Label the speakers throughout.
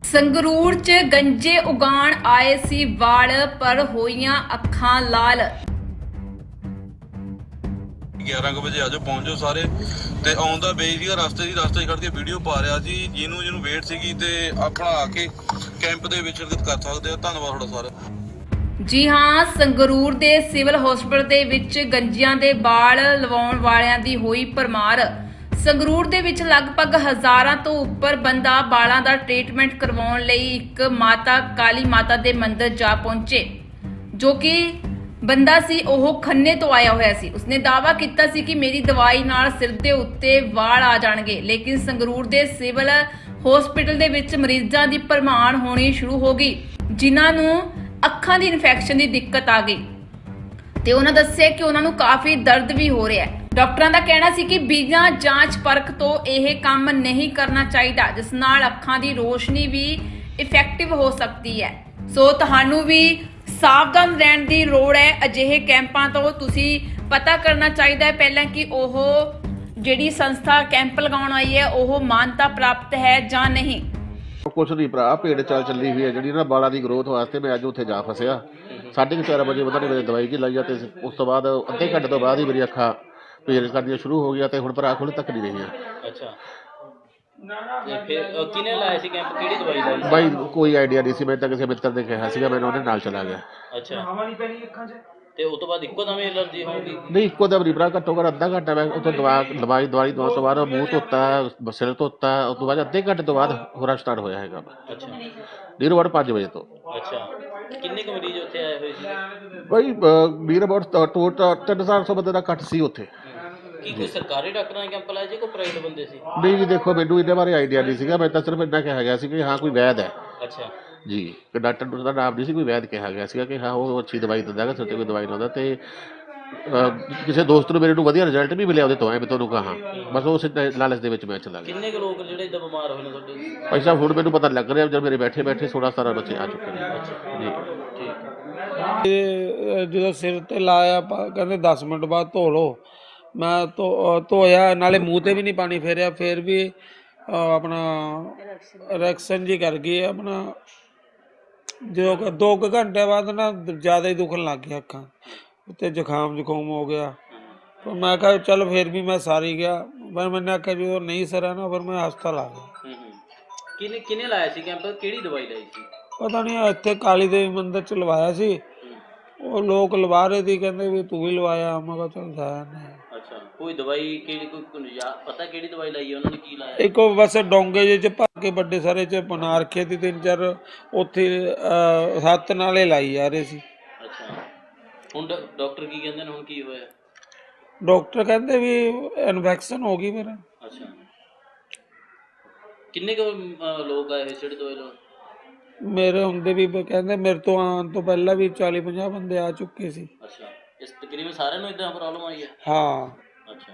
Speaker 1: ਸੰਗਰੂਰ 'ਚ ਗੰਜੇ ਉਗਾਣ ਆਏ ਸੀ ਵਾਲ ਪਰ ਹੋਈਆਂ ਅੱਖਾਂ ਲਾਲ।
Speaker 2: 11 ਵਜੇ ਆਜੋ ਪਹੁੰਚ ਜਾਓ ਸਾਰੇ। ਤੇ ਆਉਂਦਾ ਬਈ ਸੀਗਾ ਰਸਤੇ 'ਚ ਖੜ ਕੇ ਵੀਡੀਓ ਪਾ ਰਿਹਾ ਸੀ। ਜਿਹਨੂੰ ਵੇਟ ਸੀਗੀ ਤੇ ਆਪਣਾ ਆ ਕੇ ਕੈਂਪ ਦੇ ਵਿੱਚ ਸ਼ਿਰਕਤ ਕਰ ਸਕਦੇ ਆ। ਧੰਨਵਾਦ ਤੁਹਾਡਾ ਸਾਰਾ।
Speaker 1: ਜੀ ਹਾਂ, ਸੰਗਰੂਰ ਦੇ ਸਿਵਲ ਹਸਪਤਾਲ ਦੇ ਵਿੱਚ ਗੰਜਿਆਂ ਦੇ ਵਾਲ ਲਵਾਉਣ ਵਾਲਿਆਂ ਦੀ ਹੋਈ ਭਰਮਾਰ। ਸੰਗਰੂਰ ਦੇ ਵਿੱਚ ਲਗਭਗ ਹਜ਼ਾਰਾਂ ਤੋਂ ਉੱਪਰ ਬੰਦਾ ਵਾਲਾਂ ਦਾ ਟ੍ਰੀਟਮੈਂਟ ਕਰਵਾਉਣ ਲਈ ਇੱਕ ਮਾਤਾ ਕਾਲੀ ਮਾਤਾ ਦੇ ਮੰਦਿਰ ਜਾ ਪਹੁੰਚੇ। ਜੋ ਕਿ ਬੰਦਾ ਸੀ ਉਹ ਖੰਨੇ ਤੋਂ ਆਇਆ ਹੋਇਆ ਸੀ। ਉਸਨੇ ਦਾਅਵਾ ਕੀਤਾ ਸੀ ਕਿ ਮੇਰੀ ਦਵਾਈ ਨਾਲ ਸਿਰ ਦੇ ਉੱਤੇ ਵਾਲ ਆ ਜਾਣਗੇ, ਲੇਕਿਨ ਸੰਗਰੂਰ ਦੇ ਸਿਵਲ ਹਸਪਤਾਲ ਦੇ ਵਿੱਚ ਮਰੀਜ਼ਾਂ ਦੀ ਭਰਮਾਰ ਹੋਣੀ ਸ਼ੁਰੂ ਹੋ ਗਈ, ਜਿਨ੍ਹਾਂ ਨੂੰ ਅੱਖਾਂ ਦੀ ਇਨਫੈਕਸ਼ਨ ਦੀ ਦਿੱਕਤ ਆ ਗਈ ਤੇ ਉਹਨਾਂ ਦੱਸਿਆ ਕਿ ਉਹਨਾਂ ਨੂੰ ਕਾਫੀ ਦਰਦ ਵੀ ਹੋ ਰਿਹਾ ਹੈ। ਡਾਕਟਰਾਂ ਦਾ ਕਹਿਣਾ ਸੀ ਕਿ ਬਿਨਾਂ ਜਾਂਚ ਪਰਖ ਤੋਂ ਇਹ ਕੰਮ ਨਹੀਂ ਕਰਨਾ ਚਾਹੀਦਾ, ਜਿਸ ਨਾਲ ਅੱਖਾਂ ਦੀ ਰੋਸ਼ਨੀ ਵੀ ਇਫੈਕਟਿਵ ਹੋ ਸਕਦੀ ਹੈ। ਸੋ ਤੁਹਾਨੂੰ ਵੀ ਸਾਵਧਾਨ ਰਹਿਣ ਦੀ ਲੋੜ ਹੈ। ਅਜਿਹੇ ਕੈਂਪਾਂ ਤੋਂ ਤੁਸੀਂ ਪਤਾ ਕਰਨਾ ਚਾਹੀਦਾ ਹੈ ਪਹਿਲਾਂ ਕਿ ਉਹ ਜਿਹੜੀ ਸੰਸਥਾ ਕੈਂਪ ਲਗਾਉਣ ਆਈ ਹੈ ਉਹ ਮਾਨਤਾ ਪ੍ਰਾਪਤ ਹੈ ਜਾਂ ਨਹੀਂ।
Speaker 3: ਕੁਛ ਨਹੀਂ ਭਰਾ, ਭੇਡ ਚਾਲ ਚੱਲੀ ਹੋਈ ਹੈ ਜਿਹੜੀ ਨਾ ਬਾਲਾਂ ਦੀ ਗਰੋਥ ਵਾਸਤੇ। ਮੈਂ ਅੱਜ ਉੱਥੇ ਜਾ ਫਸਿਆ 4:30 ਵਜੇ ਉਹਨਾਂ ਨੇ ਮੇਰੇ ਦਵਾਈ ਜੀ ਲਾਈ ਆ ਤੇ ਉਸ ਤੋਂ ਬਾਅਦ ਅੱਧੇ ਘੰਟੇ ਤੋਂ ਬਾਅਦ ਹੀ ਮੇਰੀ ਅੱਖਾਂ ਪੀੜ ਕਰਨੀਆਂ ਸ਼ੁਰੂ ਹੋ ਗਈਆਂ ਤੇ ਹੁਣ ਭਰਾ ਖੁੱਲ੍ਹ ਤੱਕ ਨਹੀਂ ਰਹੀਆਂ।
Speaker 4: ਅੱਛਾ, ਤੇ ਫਿਰ ਕਿਹਨੇ ਲਾਇਆ ਸੀ ਕੈਂਪ? ਕਿਹੜੀ ਦਵਾਈ ਲਾਈ ਸੀ?
Speaker 3: ਬਾਈ ਕੋਈ ਆਈਡੀਆ ਨਹੀਂ ਸੀ, ਮੈਂ ਤਾਂ ਕਿਸੇ ਮਿੱਤਰ ਨੇ ਕਿਹਾ ਸੀਗਾ, ਮੈਨੂੰ ਉਹਦੇ ਨਾਲ ਚਲਾ ਗਿਆ।
Speaker 4: ਅੱਛਾ, ਤੇ ਉਸ ਤੋਂ ਬਾਅਦ ਇੱਕੋ ਦਮ ਐਲਰਜੀ ਹੋ ਗਈ?
Speaker 3: ਨਹੀਂ, ਇੱਕੋ ਦਮ ਨਹੀਂ ਭਰਾ, ਘੱਟੋ ਘੱਟ ਅੱਧਾ ਘੰਟਾ ਮੈਂ ਉੱਥੋਂ ਦਵਾਈ ਦਵਾਉਣ ਤੋਂ ਬਾਅਦ ਮੂੰਹ ਧੋਤਾ, ਸਿਰ ਧੋਤਾ, ਉਸ ਤੋਂ ਬਾਅਦ ਅੱਧੇ ਘੰਟੇ ਤੋਂ ਬਾਅਦ ਹੋਰਾ ਸਟਾਰਟ ਹੋਇਆ ਹੈਗਾ।
Speaker 4: ਅੱਛਾ,
Speaker 3: ਨੀਰ ਅਬਾਊਟ 5 ਵਜੇ ਤੋਂ।
Speaker 4: ਅੱਛਾ, ਕਿੰਨੇ ਕੁ ਮਰੀਜ਼ ਉੱਥੇ ਆਏ ਹੋਏ ਸੀ?
Speaker 3: ਬਾਈ ਨੀਰ ਅਬਾਊਟ 300-400 ਬੰਦੇ ਦਾ ਘੱਟ ਸੀ ਉੱਥੇ।
Speaker 4: ਕੀ ਕੋਈ ਸਰਕਾਰੀ ਡਾਕਟਰਾਂ ਨੇ ਕੈਂਪ ਲਾਇਆ ਜੀ, ਕੋਈ ਪ੍ਰਾਈਵੇਟ ਬੰਦੇ ਸੀ?
Speaker 3: ਨਹੀਂ ਜੀ, ਦੇਖੋ ਮੈਨੂੰ ਇਹਦੇ ਬਾਰੇ ਆਈਡੀਆ ਨਹੀਂ ਸੀਗਾ, ਮੈਂ ਤਾਂ ਸਿਰਫ ਇੰਨਾ ਕਿਹਾ ਗਿਆ ਸੀ ਕਿ ਹਾਂ ਕੋਈ ਵੈਦ ਹੈ
Speaker 4: ਅੱਛਾ
Speaker 3: ਜੀ, ਕਿ ਡਾਕਟਰ ਦਾ ਨਾਮ ਨਹੀਂ ਸੀ, ਕੋਈ ਵੈਦ ਕਿਹਾ ਗਿਆ ਸੀਗਾ ਕਿ ਹਾਂ ਉਹ ਅੱਛੀ ਦਵਾਈ ਦਿੰਦਾ ਹੈਗਾ, ਸਿਰ 'ਤੇ ਕੋਈ ਦਵਾਈ ਲਾਉਂਦਾ। ਤੇ ਕਿਸੇ ਦੋਸਤ ਨੂੰ ਮੇਰੇ ਨੂੰ ਵਧੀਆ ਰਿਜ਼ਲਟ ਵੀ ਮਿਲਿਆ ਉਹਦੇ ਤੋਂ, ਐ ਮੈਂ ਤੁਹਾਨੂੰ ਕਹਾਂ। ਬਸ ਉਸ ਲਾਲਚ ਦੇ ਵਿੱਚ ਮੈਂ ਚਲਾ ਗਿਆ।
Speaker 4: ਕਿੰਨੇ ਕੁ ਲੋਕ ਜਿਹੜੇ ਇੱਦਾਂ ਬਿਮਾਰ ਹੋਏ ਨੇ ਤੁਹਾਡੇ?
Speaker 3: ਭਾਈ ਸਾਹਿਬ ਹੁਣ ਮੈਨੂੰ ਪਤਾ ਲੱਗ ਰਿਹਾ, ਜਦ ਮੇਰੇ ਬੈਠੇ 16-17 ਬੱਚੇ ਆ ਚੁੱਕੇ ਨੇ ਜੀ।
Speaker 4: ਠੀਕ।
Speaker 5: ਜਦੋਂ ਸਿਰ ਤੇ ਲਾਇਆ ਕਹਿੰਦੇ 10 ਮਿੰਟ ਬਾਅਦ ਧੋ ਲਓ। ਮੈਂ ਧੋਇਆ, ਨਾਲੇ ਮੂੰਹ ਤੇ ਵੀ ਨਹੀਂ ਪਾਣੀ ਫੇਰਿਆ, ਫਿਰ ਵੀ ਆਪਣਾ ਰਿਐਕਸ਼ਨ ਜੀ ਕਰ ਗਈ ਆਪਣਾ। ਜਦੋਂ 2 ਘੰਟੇ ਬਾਅਦ ਨਾ ਜ਼ਿਆਦਾ ਹੀ ਦੁਖਣ ਲੱਗ ਗਿਆ ਅੱਖਾਂ ਉੱਤੇ, ਜ਼ੁਕਾਮ ਹੋ ਗਿਆ। ਪਰ ਮੈਂ ਕਿਹਾ ਚੱਲ ਫਿਰ ਵੀ ਮੈਂ ਸਾਰੀ ਗਿਆ। ਪਰ ਮੈਨੇ ਆਖਿਆ ਜਦੋਂ ਨਹੀਂ ਸਰਿਆ ਨਾ ਫਿਰ ਮੈਂ ਹਸਪਤਾਲ ਆ ਗਿਆ।
Speaker 4: ਕਿਹਨੇ ਲਾਇਆ ਸੀ ਕੈਂਪ? ਕਿਹੜੀ ਦਵਾਈ ਲਾਈ ਸੀ?
Speaker 5: ਪਤਾ ਨਹੀਂ, ਇੱਥੇ ਕਾਲੀ ਦੇਵੀ ਮੰਦਿਰ 'ਚ ਲਵਾਇਆ ਸੀ। ਉਹ ਲੋਕ ਲਵਾ ਰਹੇ ਸੀ, ਕਹਿੰਦੇ ਵੀ ਤੂੰ ਵੀ ਲਵਾਇਆ। ਮੈਂ ਕਿਹਾ ਚੱਲ ਜਾਇਆ ਨਹੀਂ।
Speaker 4: ਅੱਛਾ, ਕੋਈ ਦਵਾਈ ਕਿਹੜੀ, ਕੋਈ ਪਤਾ ਕਿਹੜੀ ਦਵਾਈ ਲਾਈ ਹੈ ਉਹਨਾਂ ਨੇ? ਕੀ ਲਾਇਆ?
Speaker 5: ਇੱਕ ਉਹ ਬਸ ਡੋਂਗੇ ਜਿਹੇ 'ਚ ਭਰ ਕੇ ਵੱਡੇ ਸਾਰੇ 'ਚ ਬਣਾ ਰੱਖੇ ਸੀ 3-4 ਉੱਥੇ ਹੱਥ ਨਾਲੇ ਲਾਈ ਜਾ ਰਹੇ ਸੀ।
Speaker 4: ਅੱਛਾ, ਹੁਣ ਡਾਕਟਰ ਕੀ ਕਹਿੰਦੇ ਨੇ? ਹੁਣ ਕੀ ਹੋਇਆ?
Speaker 5: ਡਾਕਟਰ ਕਹਿੰਦੇ ਵੀ ਇਨਫੈਕਸ਼ਨ ਹੋ ਗਈ ਮੇਰਾ।
Speaker 4: ਅੱਛਾ, ਕਿੰਨੇ ਕੁ ਲੋਕ ਆਏ ਜਿਹੜੇ ਦਵਾਈ ਲਾਉਣ?
Speaker 5: ਮੇਰੇ ਹੁੰਦੇ ਵੀ ਕਹਿੰਦੇ ਮੇਰੇ ਤੋਂ ਆਉਣ ਤੋਂ ਪਹਿਲਾਂ ਵੀ 40-50 ਬੰਦੇ ਆ ਚੁੱਕੇ ਸੀ।
Speaker 4: ਅੱਛਾ, ਇਸ ਤਕਰੀਬਨ ਸਾਰਿਆਂ ਨੂੰ ਇਦਾਂ ਪ੍ਰੋਬਲਮ ਆਈ ਹੈ?
Speaker 5: ਹਾਂ।
Speaker 4: ਅੱਛਾ,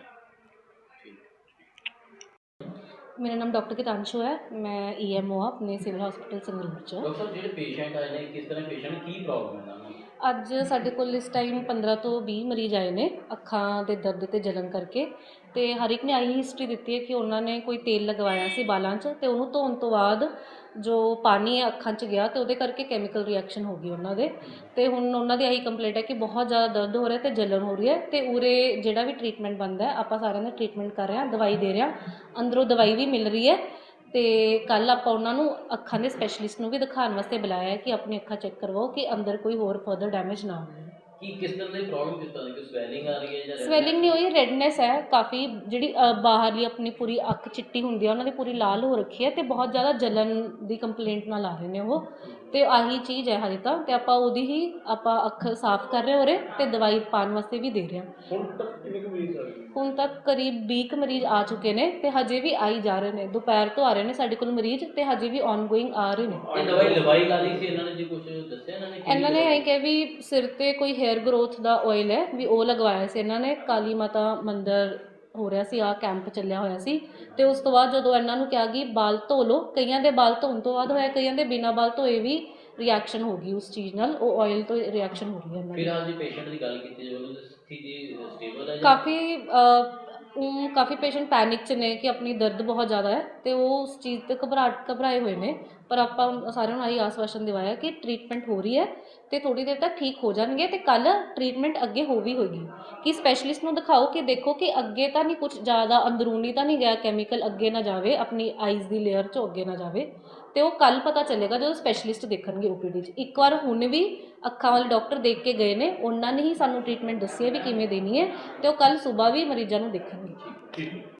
Speaker 6: मेरा नाम डॉक्टर कितांशु है। मैं EMO हाँ अपने सिविल हॉस्पिटल संगरूर च।
Speaker 4: डॉक्टर ਜਿਹੜੇ ਪੇਸ਼ੈਂਟ ਆਏ ਨੇ ਕਿਸ ਤਰ੍ਹਾਂ ਪੇਸ਼ੈਂਟ ਕੀ ਪ੍ਰੋਬਲਮ ਹੈ ਉਹਨਾਂ ਨੂੰ?
Speaker 6: ਅੱਜ ਸਾਡੇ ਕੋਲ ਇਸ ਟਾਈਮ 15 ਤੋਂ 20 ਮਰੀਜ਼ ਆਏ ਨੇ ਅੱਖਾਂ ਦੇ ਦਰਦ ਤੇ ਜਲਨ ਕਰਕੇ। ਤੇ ਹਰ ਇੱਕ ਨੇ ਆਹੀ ਹਿਸਟਰੀ ਦਿੱਤੀ ਹੈ ਕਿ ਉਹਨਾਂ ਨੇ ਕੋਈ ਤੇਲ ਲਗਵਾਇਆ ਸੀ ਬਾਲਾਂ 'ਚ ਤੇ ਉਹਨੂੰ ਧੋਣ ਤੋਂ ਬਾਅਦ ਜੋ ਪਾਣੀ ਹੈ ਅੱਖਾਂ 'ਚ ਗਿਆ ਤੇ ਉਹਦੇ ਕਰਕੇ ਕੈਮੀਕਲ ਰਿਐਕਸ਼ਨ ਹੋ ਗਈ ਉਹਨਾਂ ਦੇ। ਤੇ ਹੁਣ ਉਹਨਾਂ ਦੀ ਆਹੀ ਕੰਪਲੇਂਟ ਹੈ ਕਿ ਬਹੁਤ ਜ਼ਿਆਦਾ ਦਰਦ ਹੋ ਰਿਹਾ ਤੇ ਜਲਨ ਹੋ ਰਹੀ ਹੈ। ਤੇ ਉਰੇ ਜਿਹੜਾ ਵੀ ਟ੍ਰੀਟਮੈਂਟ ਬਣਦਾ ਆਪਾਂ ਸਾਰਿਆਂ ਦਾ ਟ੍ਰੀਟਮੈਂਟ ਕਰ ਰਹੇ ਹਾਂ, ਦਵਾਈ ਦੇ ਰਹੇ ਹਾਂ, ਅੰਦਰੋਂ ਦਵਾਈ ਵੀ ਮਿਲ ਰਹੀ ਹੈ। ਤੇ ਕੱਲ੍ਹ ਆਪਾਂ ਉਹਨਾਂ ਨੂੰ ਅੱਖਾਂ ਦੇ ਸਪੈਸ਼ਲਿਸਟ ਨੂੰ ਵੀ ਦਿਖਾਉਣ ਵਾਸਤੇ ਬੁਲਾਇਆ ਹੈ ਕਿ ਆਪਣੀ ਅੱਖਾਂ ਚੈੱਕ ਕਰਵਾਓ ਕਿ ਅੰਦਰ ਕੋਈ ਹੋਰ ਫਰਦਰ ਡੈਮੇਜ ਨਾ ਹੋਵੇ।
Speaker 4: ਕੀ ਕਿਸ ਤਰ੍ਹਾਂ ਦੀ ਪ੍ਰੋਬਲਮ, ਕਿਸ ਤਰ੍ਹਾਂ ਦੀ? ਕੋਈ ਸਵੈਲਿੰਗ ਆ ਰਹੀ ਹੈ ਜਾਂ?
Speaker 6: ਸਵੈਲਿੰਗ ਨਹੀਂ ਹੋਈ, ਰੈਡਨੈਸ ਹੈ ਕਾਫੀ। ਜਿਹੜੀ ਬਾਹਰਲੀ ਆਪਣੀ ਪੂਰੀ ਅੱਖ ਚਿੱਟੀ ਹੁੰਦੀ ਹੈ, ਉਹਨਾਂ ਦੀ ਪੂਰੀ ਲਾਲ ਹੋ ਰੱਖੀ ਹੈ ਤੇ ਬਹੁਤ ਜ਼ਿਆਦਾ ਜਲਨ ਦੀ ਕੰਪਲੇਂਟ ਨਾਲ ਆ ਰਹੇ ਨੇ ਉਹ। ਤੇ ਆਹੀ ਚੀਜ਼ ਹੈ ਹਜੇ ਤਾਂ। ਤੇ ਆਪਾਂ ਉਹਦੀ ਹੀ ਆਪਾਂ ਅੱਖ ਸਾਫ਼ ਕਰ ਰਹੇ ਹੋ ਰਹੇ ਤੇ ਦਵਾਈ ਪਾਉਣ ਵਾਸਤੇ ਵੀ ਦੇ ਰਹੇ ਹਾਂ। ਹੁਣ ਤੱਕ ਕਰੀਬ 20 ਕੁ ਮਰੀਜ਼ ਆ ਚੁੱਕੇ ਨੇ ਤੇ ਹਜੇ ਵੀ ਆਈ ਜਾ ਰਹੇ ਨੇ। ਦੁਪਹਿਰ ਤੋਂ ਆ ਰਹੇ ਨੇ ਸਾਡੇ ਕੋਲ ਮਰੀਜ਼ ਤੇ ਹਜੇ ਵੀ ਔਨਗੋਇੰਗ ਆ ਰਹੇ ਨੇ।
Speaker 4: ਇਹ ਦਵਾਈ ਲਵਾਈ ਲਾ ਲਈ ਸੀ ਇਹਨਾਂ ਨੇ ਜੀ? ਕੁਝ ਦੱਸਿਆ
Speaker 6: ਇਹਨਾਂ ਨੇ ਇਹ ਕਿਹਾ ਵੀ ਸਿਰ ਤੇ ਕੋਈ ਹੇਅਰ ਗਰੋਥ ਦਾ ਆਇਲ ਹੈ ਵੀ ਉਹ ਲਗਵਾਇਆ ਸੀ ਇਹਨਾਂ ਨੇ। ਕਾਲੀ ਮਾਤਾ ਮੰਦਿਰ ਹੋ ਰਿਹਾ ਸੀ, ਕੈਂਪ ਚੱਲਿਆ ਹੋਇਆ ਸੀ। ਤੇ ਉਸ ਤੋਂ ਬਾਅਦ ਜਦੋਂ ਇਹਨਾਂ ਨੂੰ ਕਿਹਾ ਕਿ ਬਾਲ ਧੋ ਲਓ, ਕਈਆਂ ਦੇ ਬਾਲ ਧੋਣ ਤੋਂ ਬਾਅਦ ਹੋਇਆ, ਕਈਆਂ ਦੇ ਬਿਨਾਂ ਬਾਲ ਧੋਏ ਵੀ ਰਿਐਕਸ਼ਨ ਹੋ ਗਈ ਉਸ ਚੀਜ਼ ਨਾਲ। ਉਹ ਆਇਲ ਤੋਂ ਰਿਐਕਸ਼ਨ ਹੋ ਰਹੀ ਹੈ ਇਹਨਾਂ ਦੀ।
Speaker 4: ਫਿਲਹਾਲ ਜੀ ਪੇਸ਼ੈਂਟ ਦੀ ਗੱਲ ਕੀਤੀ ਜਾਵੇ ਤਾਂ ਸਥਿਤੀ ਸਟੇਬਲ ਹੈ?
Speaker 6: ਕਾਫੀ ਕਾਫੀ ਪੇਸ਼ੈਂਟ ਪੈਨਿਕ 'ਚ ਨੇ ਕਿ ਆਪਣੀ ਦਰਦ ਬਹੁਤ ਜ਼ਿਆਦਾ ਹੈ ਅਤੇ ਉਹ ਉਸ ਚੀਜ਼ 'ਤੇ ਘਬਰਾਏ ਹੋਏ ਨੇ, ਪਰ ਆਪਾਂ ਸਾਰਿਆਂ ਨੂੰ ਆਹੀ ਆਸਵਾਸ਼ਨ ਦਿਵਾਇਆ ਕਿ ਟ੍ਰੀਟਮੈਂਟ ਹੋ ਰਹੀ ਹੈ ਅਤੇ ਥੋੜ੍ਹੀ ਦੇਰ ਤੱਕ ਠੀਕ ਹੋ ਜਾਣਗੇ ਅਤੇ ਕੱਲ੍ਹ ਟ੍ਰੀਟਮੈਂਟ ਅੱਗੇ ਹੋਵੇਗੀ ਕਿ ਸਪੈਸ਼ਲਿਸਟ ਨੂੰ ਦਿਖਾਓ ਕਿ ਦੇਖੋ ਕਿ ਅੱਗੇ ਤਾਂ ਨਹੀਂ ਕੁਝ ਜ਼ਿਆਦਾ ਅੰਦਰੂਨੀ ਤਾਂ ਨਹੀਂ ਗਿਆ ਕੈਮੀਕਲ, ਅੱਗੇ ਨਾ ਜਾਵੇ ਆਪਣੀ ਆਈਜ਼ ਦੀ ਲੇਅਰ 'ਚੋਂ ਅੱਗੇ ਨਾ ਜਾਵੇ, ਅਤੇ ਉਹ ਕੱਲ੍ਹ ਪਤਾ ਚੱਲੇਗਾ ਜਦੋਂ ਸਪੈਸ਼ਲਿਸਟ ਦੇਖਣਗੇ OPD 'ਚ। ਇੱਕ ਵਾਰ ਹੁਣ ਵੀ ਅੱਖਾਂ ਵਾਲੇ ਡਾਕਟਰ ਦੇਖ ਕੇ ਗਏ ਨੇ, ਉਹਨਾਂ ਨੇ ਹੀ ਸਾਨੂੰ ਟ੍ਰੀਟਮੈਂਟ ਦੱਸੀ ਹੈ ਵੀ ਕਿਵੇਂ ਦੇਣੀ ਹੈ, ਅਤੇ ਉਹ ਕੱਲ੍ਹ ਸੁਬਾਹ ਵੀ ਮਰੀਜ਼ਾਂ ਨੂੰ ਦੇਖਣਗੇ।